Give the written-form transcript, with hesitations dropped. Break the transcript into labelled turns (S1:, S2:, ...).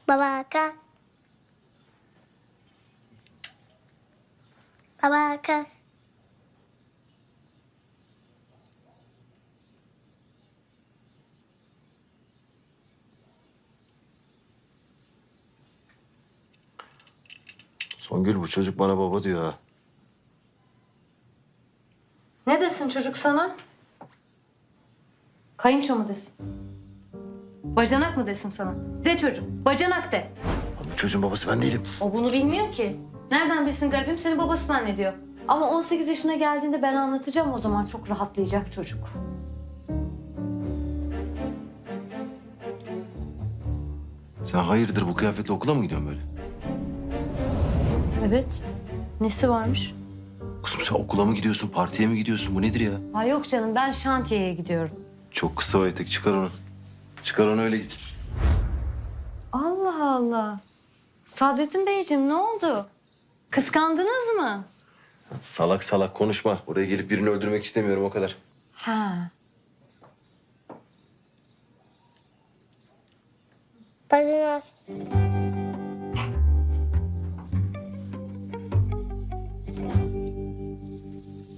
S1: Baba kalk. Baba kalk.
S2: Songül, bu çocuk bana baba diyor ha.
S3: Ne desin çocuk sana? Kayınço mu desin? Bacanak mı desin sana? De çocuk, bacanak de.
S2: Lan bu çocuğun babası ben değilim.
S3: O bunu bilmiyor ki. Nereden bilsin garibim, seni babası zannediyor. Ama 18 yaşına geldiğinde ben anlatacağım, o zaman çok rahatlayacak çocuk.
S2: Sen hayırdır bu kıyafetle okula mı gidiyorsun böyle?
S3: Evet. Nesi varmış?
S2: Kızım sen okula mı gidiyorsun, partiye mi gidiyorsun? Bu nedir ya?
S3: Ha yok canım, ben şantiyeye gidiyorum.
S2: Çok kısa o etek, çıkar onu. Çıkar onu, öyle git.
S3: Allah Allah. Sadrettin Beyciğim, ne oldu? Kıskandınız mı?
S2: Salak salak konuşma. Oraya gelip birini öldürmek istemiyorum, o kadar.
S3: Ha.
S1: Bacanak.